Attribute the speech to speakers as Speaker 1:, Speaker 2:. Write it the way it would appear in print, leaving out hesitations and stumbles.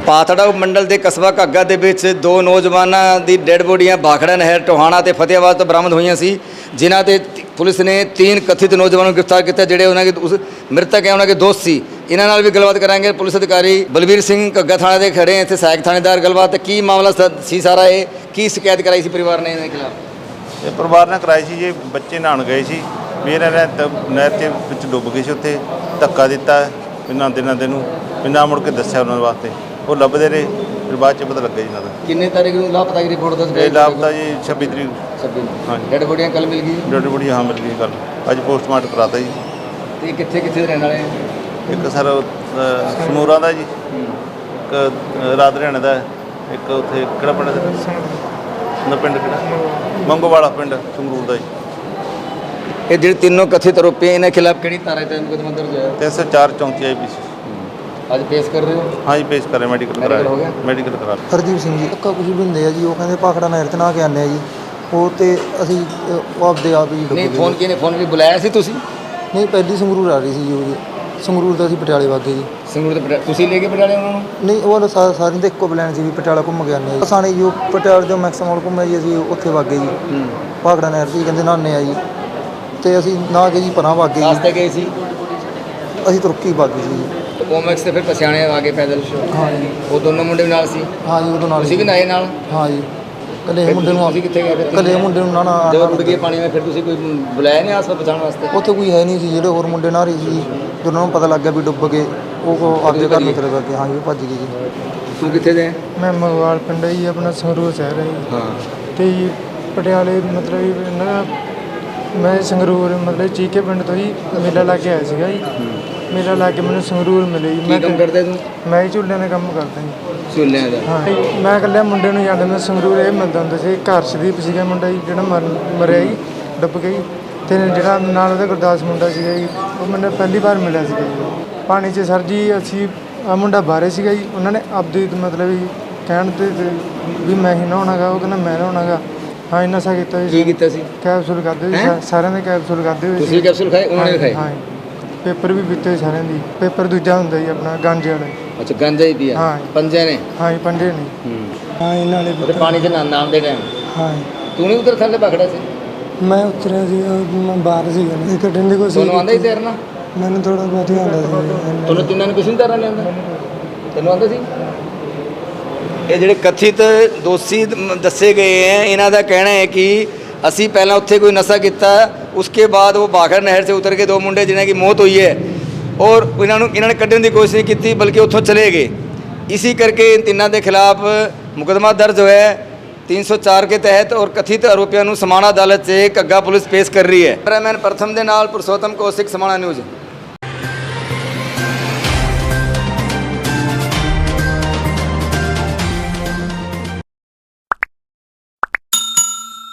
Speaker 1: ਪਾਤੜਾ ਮੰਡਲ ਦੇ ਕਸਬਾ ਘੱਗਾ ਦੇ ਵਿੱਚ ਦੋ ਨੌਜਵਾਨਾਂ ਦੀ ਡੈੱਡ ਬੋਡੀਆਂ ਭਾਖੜਾ ਨਹਿਰ ਟੋਹਾਣਾ ਤੇ ਫਤਿਆਬਾਦ ਤੋਂ ਬਰਾਮਦ ਹੋਈਆਂ ਸੀ, ਜਿਨ੍ਹਾਂ ਤੇ ਪੁਲਿਸ ਨੇ 3 ਕਥਿਤ ਨੌਜਵਾਨਾਂ ਨੂੰ ਗ੍ਰਿਫਤਾਰ ਕੀਤਾ, ਜਿਹੜੇ ਉਹਨਾਂ ਦੇ ਉਸ ਮ੍ਰਿਤਕ ਹੈ ਉਹਨਾਂ ਦੇ ਦੋਸਤ ਸੀ। ਇਹਨਾਂ ਨਾਲ ਵੀ ਗੱਲਬਾਤ ਕਰਾਂਗੇ। ਪੁਲਿਸ ਅਧਿਕਾਰੀ ਬਲਵੀਰ ਸਿੰਘ ਘੱਗਾ ਥਾਣੇ ਦੇ ਖੜੇ ਇੱਥੇ ਸਹਾਇਕ ਥਾਣੇਦਾਰ ਗੱਲਬਾਤ ਕੀ ਮਾਮਲਾ ਸੀ ਸਾਰਾ, ਇਹ ਕੀ ਸ਼ਿਕਾਇਤ ਕਰਾਈ ਸੀ ਪਰਿਵਾਰ ਨੇ ਇਹਨਾਂ ਦੇ ਖਿਲਾਫ?
Speaker 2: ਇਹ ਪਰਿਵਾਰ ਨੇ ਕਰਾਈ ਸੀ ਜੀ, ਬੱਚੇ ਨਹਾਉਣ ਗਏ ਸੀ, ਵੀ ਇਹਨਾਂ ਨੇ ਨਹਿਰ ਦੇ ਵਿੱਚ ਡੁੱਬ ਗਏ ਸੀ, ਉੱਥੇ ਧੱਕਾ ਦਿੱਤਾ ਇਹਨਾਂ ਦੇ ਨੂੰ, ਬਿਨਾਂ ਮੁੜ ਕੇ ਦੱਸਿਆ ਉਹਨਾਂ ਵਾਸਤੇ, ਉਹ ਲੱਭਦੇ ਰਹੇ, ਫਿਰ ਬਾਅਦ 'ਚ ਪਤਾ ਲੱਗਾ ਜੀ ਇਹਨਾਂ ਦਾ।
Speaker 1: ਕਿੰਨੇ ਤਾਰੀਖ ਨੂੰ ਲਾਪਤਾ ਦੀ ਰਿਪੋਰਟ ਦੱਸ
Speaker 2: ਇਹ ਲਾਪਤਾ ਜੀ 26 ਤਰੀਕ।
Speaker 1: 26 ਨੂੰ
Speaker 2: ਹਾਂਜੀ।
Speaker 1: ਡੈੱਡ ਬੋਡੀਆਂ ਕੱਲ ਮਿਲ ਗਈ?
Speaker 2: ਡੈਡ ਬੋਡੀ ਹਾਂ ਮਿਲ ਗਈ ਕੱਲ, ਅੱਜ ਪੋਸਟਮਾਰਟਮ ਕਰਾਤਾ ਜੀ।
Speaker 1: ਤੇ ਕਿੱਥੇ ਕਿੱਥੇ ਦੇ ਰਹਿਣ ਵਾਲੇ?
Speaker 2: ਇੱਕ ਸਰ ਸਮੂਰਾ ਦਾ ਜੀ, ਇੱਕ ਰਾਤ ਹਰਿਆਣੇ ਦਾ, ਇੱਕ ਉੱਥੇ ਕਿਹੜਾ ਪਿੰਡ ਦਾ ਪਿੰਡ ਕਿਹੜਾ ਮੰਗੋਵਾਲਾ ਪਿੰਡ ਸੰਗਰੂਰ ਦਾ ਜੀ।
Speaker 1: ਇਹ ਜਿਹੜੇ ਤਿੰਨੋਂ ਕਥਿਤ ਆਰੋਪੀ ਇਹਨਾਂ ਖਿਲਾਫ ਕਿਹੜੀ ਧਾਰਾ ਤੇ ਮੁਕੱਦਮਾ ਦਰਜ ਹੋਇਆ?
Speaker 2: 304 34 IPC।
Speaker 1: ਅੱਜ ਪੇਸ਼ ਕਰ ਰਹੇ ਹੋ?
Speaker 2: ਹਾਂ ਜੀ ਪੇਸ਼ ਕਰਿਆ, ਮੈਡੀਕਲ ਕਰਾਇਆ, ਮੈਡੀਕਲ ਕਰਾ ਲਿਆ।
Speaker 3: ਹਰਦੀਪ ਸਿੰਘ ਜੀ ਧੱਕਾ ਕੁਝ ਵੀ ਹੁੰਦੇ ਆ ਜੀ, ਉਹ ਕਹਿੰਦੇ ਭਾਖੜਾ ਨਹਿਰ 'ਚ ਨਹਾ ਕੇ ਆਉਂਦੇ ਆ ਜੀ, ਉਹ ਤੇ ਅਸੀਂ ਉਹ ਆਪਦੇ ਆਪ ਹੀ ਡੁੱਬ
Speaker 1: ਨਹੀਂ
Speaker 3: ਗਏ।
Speaker 1: ਫੋਨ ਕਿਹਨੇ ਫੋਨ ਵੀ ਬੁਲਾਇਆ ਸੀ ਤੁਸੀਂ?
Speaker 3: ਨਹੀਂ ਪਹਿਲੀ ਸੰਗਰੂਰ ਆ ਰਹੀ ਸੀ ਜੀ, ਉਹ ਜੀ ਸੰਗਰੂਰ ਤੋਂ ਅਸੀਂ ਪਟਿਆਲੇ ਵਾਗੇ ਜੀ।
Speaker 1: ਸੰਗਰੂਰ ਤੋਂ ਤੁਸੀਂ ਲੈ ਕੇ ਪਟਿਆਲੇ ਉਹਨਾਂ ਨੂੰ?
Speaker 3: ਨਹੀਂ ਉਹ ਸਾਰਿਆਂ ਦੇ ਇੱਕੋ ਪਲਾਨ ਸੀ ਵੀ ਪਟਿਆਲਾ ਘੁੰਮ ਕੇ ਆਉਂਦੇ ਆ ਜੀ। ਸਾਨੇ ਜੀ ਉਹ ਪਟਿਆਲੇ ਤੋਂ ਮੈਕਸਮੋਲ ਘੁੰਮਿਆ ਜੀ, ਅਸੀਂ ਉੱਥੇ ਵਾਗੇ ਜੀ ਭਾਖੜਾ ਨਹਿਰ 'ਚ ਕਹਿੰਦੇ ਨਹਾਉਂਦੇ ਆ ਜੀ, ਤੇ ਅਸੀਂ ਨਹਾ ਕੇ ਜੀ ਪਰਾਂ ਵਾਗੇ ਜੀ।
Speaker 1: ਰਾਸਤੇ ਗਏ ਸੀ?
Speaker 3: ਅਸੀਂ ਤੁਰਕੀ ਵਾਗੇ ਸੀ ਜੀ।
Speaker 1: ਕੋਮੈਕਸ ਤੇ ਫਿਰ ਪਛਾਣੇ ਆਗੇ ਪੈਦਲ?
Speaker 3: ਹਾਂ ਜੀ।
Speaker 1: ਉਹ ਦੋਨੋਂ ਮੁੰਡੇ ਵੀ ਨਾਲ ਸੀ?
Speaker 3: ਹਾਂ ਜੀ ਉਹਦੇ ਨਾਲ
Speaker 1: ਤੁਸੀਂ ਵੀ ਨਾਏ ਨਾਲ?
Speaker 3: ਹਾਂ ਜੀ। ਕੱਲੇ ਮੁੰਡੇ ਨੂੰ
Speaker 1: ਤੁਸੀਂ ਕਿੱਥੇ ਗਏ ਫਿਰ?
Speaker 3: ਕੱਲੇ ਮੁੰਡੇ ਨੂੰ ਨਾ
Speaker 1: ਜਦੋਂ ਰੁੜ ਗਏ ਪਾਣੀ ਵਿੱਚ ਫਿਰ ਤੁਸੀਂ ਕੋਈ ਬੁਲਾਇਆ ਨਹੀਂ ਆਸ-ਪਾਸ ਬਚਾਉਣ ਵਾਸਤੇ?
Speaker 3: ਉੱਥੇ ਕੋਈ ਹੈ ਨਹੀਂ ਸੀ, ਜਿਹੜੇ ਹੋਰ ਮੁੰਡੇ ਨਹਾ ਰਹੇ ਸੀ ਜੀ, ਜਦੋਂ ਉਹਨਾਂ ਨੂੰ ਪਤਾ ਲੱਗ ਗਿਆ ਵੀ ਡੁੱਬ ਗਏ, ਉਹ ਆਪਦੇ ਘਰ ਨੂੰ ਚਲੇ ਗਏ। ਹਾਂ ਜੀ ਉਹ ਭੱਜ ਗਏ ਜੀ।
Speaker 1: ਤੂੰ ਕਿੱਥੇ ਦੇ?
Speaker 4: ਮੈਂ ਮਗਵਾਲ ਪਿੰਡ ਜੀ, ਆਪਣਾ ਸੰਗਰੂਰ ਸ਼ਹਿਰ ਹੈ ਜੀ।
Speaker 1: ਹਾਂ।
Speaker 4: ਤੇ ਜੀ ਪਟਿਆਲੇ ਮਤਲਬ ਇਹਨਾਂ ਮੈਂ ਸੰਗਰੂਰ ਮਤਲਬ ਚੀਕੇ ਪਿੰਡ ਤੋਂ ਜੀ ਮੇਲਾ ਲਾ ਕੇ ਆਇਆ ਸੀਗਾ ਜੀ। ਮੇਲਾ ਲਾ ਕੇ ਮੈਨੂੰ ਸੰਗਰੂਰ ਮਿਲੇ ਜੀ।
Speaker 1: ਕੀ ਕੰਮ ਕਰਦੇ ਤੂੰ?
Speaker 4: ਮੈਂ ਝੂਲਿਆਂ ਦਾ ਕੰਮ ਕਰਦਾ ਜੀ।
Speaker 1: ਝੂਲਿਆਂ ਦਾ?
Speaker 4: ਹਾਂ ਜੀ। ਮੈਂ ਇਕੱਲੇ ਮੁੰਡੇ ਨੂੰ ਜਾਂਦਾ, ਮੈਂ ਸੰਗਰੂਰ ਇਹ ਮਿਲਦਾ ਹੁੰਦਾ ਸੀ, ਹਰਸ਼ਦੀਪ ਸੀਗਾ ਮੁੰਡਾ ਜੀ, ਜਿਹੜਾ ਮਰਿਆ ਜੀ, ਡੁੱਬ ਗਿਆ ਜੀ। ਤੇ ਜਿਹੜਾ ਨਾਲ ਉਹਦਾ ਗੁਰਦਾਸ ਮੁੰਡਾ ਸੀਗਾ ਜੀ, ਉਹ ਮੈਨੂੰ ਪਹਿਲੀ ਵਾਰ ਮਿਲਿਆ ਸੀਗਾ ਜੀ ਪਾਣੀ 'ਚ। ਸਰ ਜੀ ਅਸੀਂ ਆ ਮੁੰਡਾ ਬਾਹਰੇ ਸੀਗਾ ਜੀ, ਉਹਨਾਂ ਨੇ ਆਪਦੀ ਮਤਲਬ ਵੀ ਕਹਿਣ ਤੇ ਵੀ ਮੈਂ ਹੀ ਨਹਾਉਣਾ ਗਾ, ਉਹ ਕਹਿੰਦਾ ਮੈਂ ਨਹਾਉਣਾ ਗਾ। ਹਾਂ ਨਸ਼ਾ ਕੀਤਾ ਜੀ।
Speaker 1: ਕੀ ਕੀਤਾ ਸੀ?
Speaker 4: ਕੈਪਸੂਲ ਖਾਧੇ ਸੀ, ਸਾਰਿਆਂ ਦੇ ਕੈਪਸੂਲ ਖਾਧੇ ਹੋਏ
Speaker 1: ਤੁਸੀਂ ਵੀ ਕੈਪਸੂਲ ਖਾਏ, ਉਹਨਾਂ ਨੇ ਵੀ ਖਾਏ?
Speaker 4: ਹਾਂ ਜੀ। ਪੇਪਰ ਵੀ ਪੀਤੇ ਸਾਰਿਆਂ ਦੀ। ਪੇਪਰ ਦੂਜਾ ਹੁੰਦਾ ਜੀ ਆਪਣਾ ਗਾਂਜੇ ਵਾਲਾ।
Speaker 1: ਅੱਛਾ ਗਾਂਜਾ ਹੀ ਪੀਆ?
Speaker 4: ਹਾਂ।
Speaker 1: ਪੰਜੇ ਨੇ?
Speaker 4: ਹਾਂ ਜੀ ਪੰਜੇ ਨੇ। ਹਾਂ ਇਹਨਾਂ ਨੇ
Speaker 1: ਉਹਦੇ ਪਾਣੀ 'ਚ ਨਾਮ ਦੇ ਟਾਈਮ
Speaker 4: ਹਾਂ
Speaker 1: ਤੂੰ ਨਹੀਂ ਉਧਰ ਥੱਲੇ ਪਕੜਿਆ ਸੀ?
Speaker 4: ਮੈਂ ਉਤਰਿਆ ਸੀ, ਮੈਂ ਬਾਹਰ ਸੀਗਾ ਇਹ ਕੱਢਣ ਦੀ ਕੋਸ਼ਿਸ਼।
Speaker 1: ਤੁਹਾਨੂੰ ਆਉਂਦਾ ਹੀ ਤੈਰਨਾ?
Speaker 4: ਮੈਨੂੰ ਥੋੜਾ ਬਹੁਤ ਹੀ ਆਉਂਦਾ ਸੀ।
Speaker 1: ਤੁਹਾਨੂੰ ਤਿੰਨਾਂ ਨੂੰ ਕੁਛ ਨਹੀਂ ਤੈਰਨਾ ਨਹੀਂ ਆਉਂਦਾ? ਤੈਨੂੰ ਆਉਂਦਾ ਸੀ? ਇਹ ਜਿਹੜੇ ਕਥਿਤ ਦੋਸ਼ੀ ਦੱਸੇ ਗਏ ਹੈ, ਇਹਨਾਂ ਦਾ ਕਹਿਣਾ ਹੈ ਕਿ ਅਸੀਂ ਪਹਿਲਾਂ ਉੱਥੇ ਕੋਈ ਨਸ਼ਾ ਕੀਤਾ, ਉਸਕੇ ਬਾਅਦ ਉਹ ਭਾਖੜਾ ਨਹਿਰ ਸੇ ਉतर ਕੇ ਦੋ ਮੁੰਡੇ ਜਿਨ੍ਹਾਂ ਦੀ ਮੌਤ ਹੋਈ ਹੈ, ਔਰ ਇਹਨਾਂ ਨੇ ਕੱਢਣ ਦੀ ਕੋਸ਼ਿਸ਼ ਨਹੀਂ ਕੀਤੀ, ਬਲਕਿ ਉੱਥੋਂ ਚਲੇ ਗਏ। इसी करके इन तिन्हों के खिलाफ मुकदमा दर्ज होया है 304 के तहत, और कथित आरोपियों को समाणा अदालत से घग्गा पुलिस पेश कर रही है। कैमरामैन प्रथम दे नाल पुरुषोत्तम कौशिक, समाणा न्यूज़।